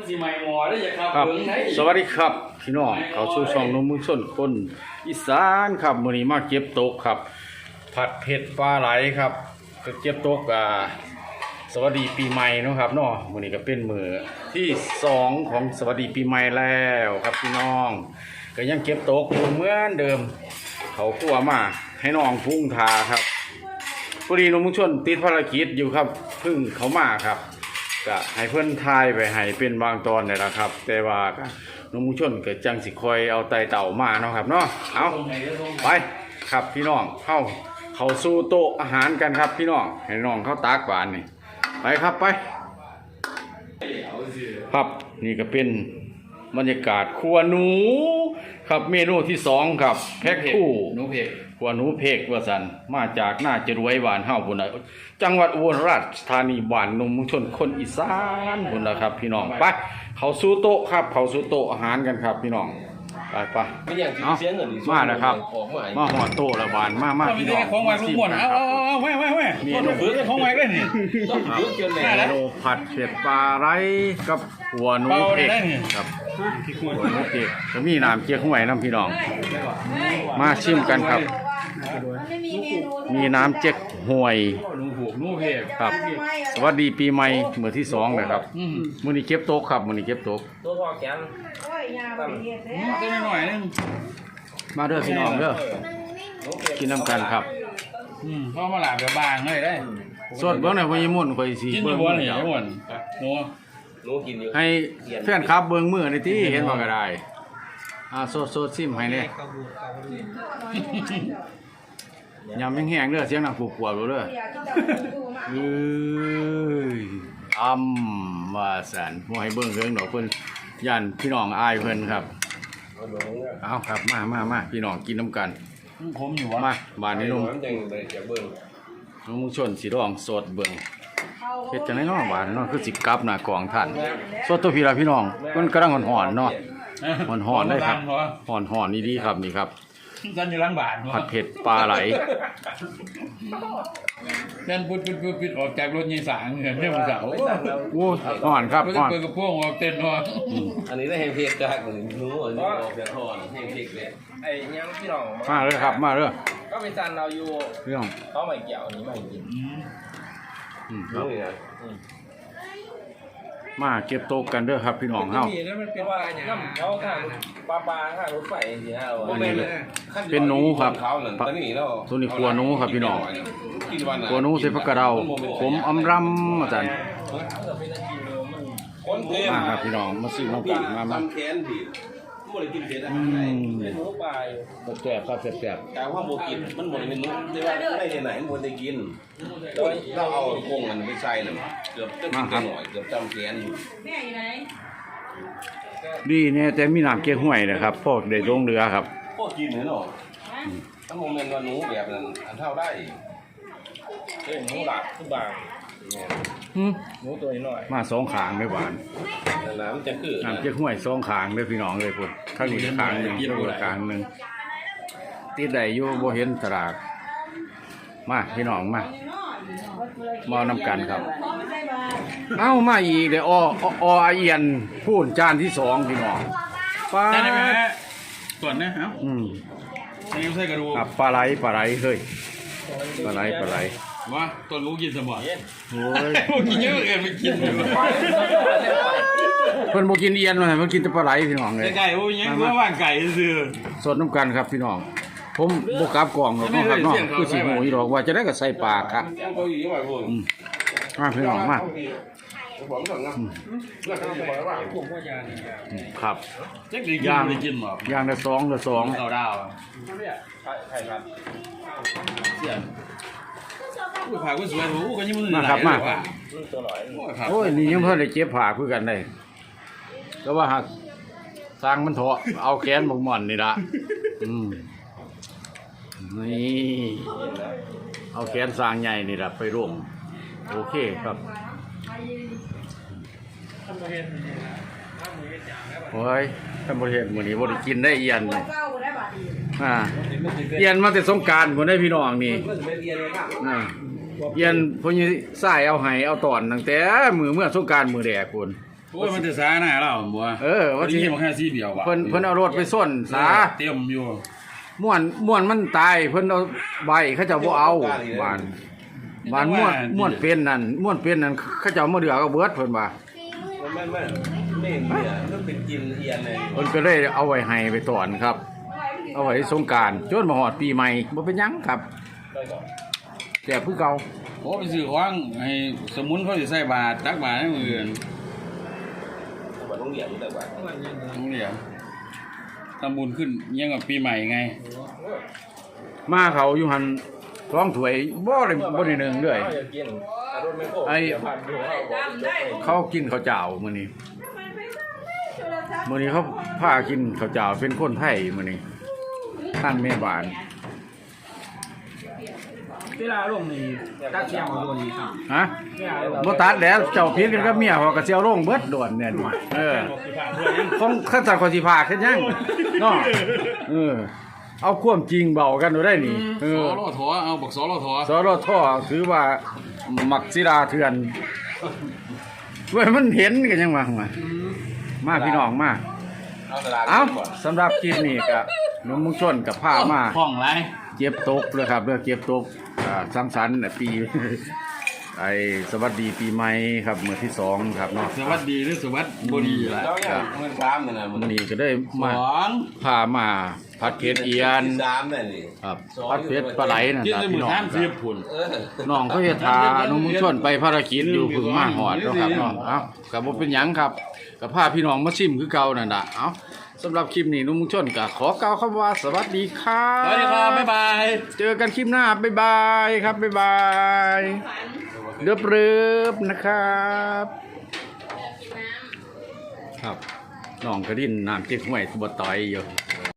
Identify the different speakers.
Speaker 1: สิใหม่หมอได้ยังครับ
Speaker 2: ครับสวัสดีครับพี่น้องเขาสู่ช่องนมมือส้นคนอีสานครับมื้อนี้มาเก็บตกครับผัดเผ็ดปลาไหลครับก็เก็บตกสวัสดีปีใหม่เนาะครับเนาะมื้อนี้ก็เป็นมื้อที่2ของสวัสดีปีใหม่แล้วครับพี่น้องก็ยังเก็บตกอยู่เหมือนเดิมเขากลัวมาให้น้องพุ่งทาครับพอดีนมมือส้นติดภารกิจอยู่ครับเพิ่งเขามาครับก็ให้เพื่อนทายไปให้เป็นบางตอนนี่แหละครับแต่ว่าน้องมุชนก็จังสิคอยเอาไตเต่ามาเนาะครับเนาะเอาไปครับพี่น้องเข้าสู่โต๊ะอาหารกันครับพี่น้องให้น้องเข้าตากหวานนี่ไปครับไปครับนี่ก็เป็นบรรยากาศครัวหนูครับเมนูที่2ครับแพ็คคู่หนูเพกครัวหนูเพกว่าสันมาจากหน้าจรวยหวานเฮาพุ่นน่ะจังหวัดอุบลราชธานีบ้านนมมุชนคนอีสานพุ่นน่ะครับพี่น้องไปเข้าสู่โต๊ะครับเข้าสู่โต๊ะอาหารกันครับพี่น้องไปเอามาแล้วครับมาหอดโต๊ะละบานมาพี่น้อง
Speaker 1: ของไว้ลูกหมดเอาแม่มีลูกฝึกของไว้ได้นี่ต้องฝึกจนเลย
Speaker 2: ผัดเผ็ดปลาไหลกับหัวหนูเพกครับหัวหนูเพกก็มีน้ำเจี๊ยบห้วยน้ำพี่น้องมาชิมกันครับมีน้ำเจ๊กห่วย
Speaker 1: นูเพก
Speaker 2: ครับสวัสดีปีใหม่มื้อที่2เลยครับมื้อนี้เก็บโต๊ะครับมื้อนี้เก็บโต๊ะ
Speaker 3: ตัวพอแกน
Speaker 1: ตัวหน่อยนึง
Speaker 2: มาเด้อพี่น้องเด้อกินน้ำกันครับ
Speaker 1: เพราะมาหลาบบางเลยได้
Speaker 2: สดเบิ่งหน่อยพญามุ่นข่อยสิ
Speaker 1: เบิ่งบ่นี่ม่วนห
Speaker 3: นูกินอยู่
Speaker 2: ให้แฟนคลับเบิ่งมื้อนี่ติเห็นบ่ก็ได้สดซิมให้แน่ยำแห้งๆเด้อเสียงดังปวดๆเด้อว่าสันบ่ให้เบิ่งเรื่องดอกเพิ่นย่านพี่น้องอายเพิ่นครับเอาครับมาพี่น้องกินน้ำกัน
Speaker 1: ผมอยู่
Speaker 2: มาบ้านนี้นุ่มน้องมุชนสิร้องสดเบิ่งเฮ็ดจังได๋เนาะบ้านเนาะคือสิกลับหน้ากองท่านสดตัวพี่ล่ะพี่น้องมันกำลังร้อนๆเนาะร้อนๆเลยครับร้อนๆดีๆครับนี่ครับ
Speaker 1: จันอยู่หลังบ้าน
Speaker 2: ผัดเผ็ดปลาไหล
Speaker 1: นั่นพุดออกจากรถยี่สางเงินเนี่ยมันเสา
Speaker 2: โอ้ห่อนครับห่อน
Speaker 1: เปิดกระพวงออกเต้นห่อน
Speaker 3: อันนี้ได้แห้งเพกจากหนูอันนี้ออกจากห่อนแห้งเพกเลยไอ้ยังพี่น้อง
Speaker 2: มาเลยครับมาเลย
Speaker 3: ก็เป็นจันเราอยู่
Speaker 2: พี่น้อง
Speaker 3: เขาไม่เกี่ยวอันนี้ไม่กิน
Speaker 2: ครับมาเก็บโต๊ะกันเด้อครับพี่น้องเฮา
Speaker 3: มันเป็นว่าน้ำเขาข้างปลาข้างรถไฟจริงๆนะ
Speaker 2: เป็นหนูครับตัวนี้ครัวหนูครับพี่น้องครัวหนูใส่ผักกระเดาผมอำรำอาจารย์มาครับพี่น้องมาซื้อน้ำกันมา
Speaker 3: หมดเลยกินเผ็ดเป็นหนูปลาย
Speaker 2: แซ่บครับแซ่บ
Speaker 3: แต่ว่าโมกินมันหมดเป็นหนูแต่ว่าไม่ได้ไหนมันได้กินเราเอาพงมันไปใส่น่ะเกือบจะกินหน่อยเกือบจำแขนอยู่
Speaker 4: แม่อยู่ไหน
Speaker 2: ดีเนี่ยแต่มีน้ำเก๊กห้วยนะครับพวกได้ลงเรือครับ
Speaker 3: พวกกินเหรอเนาะถ้าโมเมนต์ว่าหนูแบบนั้นอันเท่าได้หนูหลับทุกบางหนูตัวน้อย
Speaker 2: มา2ขางได้หวาน
Speaker 3: น้ำจะคือ
Speaker 2: น้ำเก๊กห้วย2ขางเลยพี่น้องเลยพุ่นข้างนี้ขางนึงอยู่ขางนึงติดได้อยู่บ่เห็นตลาดมาพี่น้องมาน้ำกันครับเอ้ามาอีกเดี๋ยวเอียนพูดจานที่2พี่น้อง
Speaker 1: ปลาได้ไหมส่วนนะเอ้านี่ใส่กระดูก
Speaker 2: ครับปลาไหลเฮ้ยปลาไหล
Speaker 1: ว่าตัวลูกกินสมอง
Speaker 2: โอ้ย
Speaker 1: กินเยอะเกินไม่กินเลย
Speaker 2: เพิ่นบ่กินเอียนมาเพิ่นกินแต่ปลาไหลพี่น้องเลย
Speaker 1: ไก่โอ้ยยังเพื่อว่างไก่ซื่อ
Speaker 2: สดน้ำกันครับพี่น้องผมบ่กลับกล่องหรอกครับน้องคือสิหูอีดอกว่าจะได้ก็ใส่ปากครับมาพี่น้องมาครับ
Speaker 1: ย่างกินหร
Speaker 2: อย่างละ2ละ2
Speaker 1: เอาดาว
Speaker 3: ใช่ครับ
Speaker 1: เสียผ่าก็สวยโอ้ก็ยังมือ
Speaker 2: นะครับมาโอ้ยนี่ยังเพิ่นได้เจ็บผ่าคือกันได้ก็ว่าหากสร้างมันเถาะเอาแขนหมกหม่อนนี่ละนี่เอาแขนสร้างใหญ่นี่ละไปร่วมโอเคครับโอ้ยท่านบริเห็นมื้อนี้บ่ได้กินได้เอียนเลยเอียนมาแต่สงกรานต์บ่ได้พี่น้องนี่เอียนพวกนี้สายเอาไห้เอาตอนตั้งแต่เมื่อสงกรานต์มื้อแรกพุ่น
Speaker 1: โอ้ยมันจะสาหน้าเราบัว
Speaker 2: ว่าสิ
Speaker 1: ที่มันแค่ซีเดียวว่ะ
Speaker 2: เพิ่นเอารถไปส้นสา
Speaker 1: เตรียมอยู่
Speaker 2: ม่วนมันตายเพิ่นเอาใบเขาเจ้าบ่เอาบ้านม่วนเป็นนั่นเขาเจ้ามาเดือก็เบิดเพิ่นว่า
Speaker 3: ไม่เนี่ยมันเป็นกินเอียนเลย
Speaker 2: เพิ่นก็เลยเอาไว้ให้ไปตอนครับ เอาไว้สงกรานต์จนมาฮอดปีใหม่บ่เป็นหยังครับแซ่บคือเก่า
Speaker 1: โอ้ไปซื้อของให้สมุนเขาสิใส่บาตรตักบาตรให้มื้ออื่น
Speaker 3: เหมือนโรงเรียนแต่ว่า
Speaker 1: ต้องเรียกทำบุญขึ้นยังกับปีใหม่ไง
Speaker 2: มาเขาอยู่หันท้องถ้วยบ่ได้หนึงเลย ไอ้เขากินข้าวเจ้ามื้อนี้เขาพากินข้าวเจ้าเป็นคนไทยมื้อนี้ท่านแม่บ้าน
Speaker 4: เวลาลงนี่ตัดเสียงของตัวนี้ครับ
Speaker 2: ฮะบ่ตัดแล้วเจ้าผิดกันกับเมียเขาก็สิเอาลงเบิดโดนเนี่ยของขั้นตอนของสิพาขึ้นยังเนาะเอาความจริงเบากันดูได้นี่
Speaker 1: สอรอถอเอาบอกสอรอถอ
Speaker 2: สรทถือว่ามักศิลาเถื่อนเว้ยมันเห็นกันยังมาพี่น้องมาเอาสำหรับคลิปนี้ก็น้องมุงชนกับผ้ามา
Speaker 1: ห้องไร
Speaker 2: เก็บตกเลยครับเรื่องเก็บตกสังสรรค์ปี ไอ้สวัสดีปีใหม่ครับมื้อที่2ครับเนาะ
Speaker 1: สวัสดีหรือสวัสดีบ่ดีล่ะ
Speaker 3: แล้วอย่างเงินซ้ำเนี่ยนะ
Speaker 2: มื้อนี้ก็ได้มา
Speaker 1: สอง
Speaker 2: พามาผัดเผ็ดเอียน
Speaker 3: ซ้ำเนี่ยนี่
Speaker 2: ครับผัดเผ็ดปลาไหลนั่น
Speaker 1: กิน
Speaker 2: ครับ
Speaker 1: ในหมู่
Speaker 2: พี่น้อง
Speaker 1: ท่าน
Speaker 2: ค
Speaker 1: เสีย
Speaker 2: รับบ
Speaker 1: ผุน
Speaker 2: น้องเขาเฮ็ดทาน้องมุงชนไปภารกิจอยู่เพึ่งมาหอดเนาะครับเนาะเอ้าก็บ่เป็นหยังครับก็พาพี่น้องมาชิมคือเก่านั่นน่ะเอ้าสำหรับคลิปนี้น้องมุงชนก็ขอกล่าวคำว่าสวัสดีครับ
Speaker 1: สวัสดีครับบ๊ายบาย
Speaker 2: เจอกันคลิปหน้าบ๊ายบายครับบ๊ายบายเริบๆนะครับครับน้องกระดิ่นน้ำเจ๊กห้วยบ่ต่อยอยู่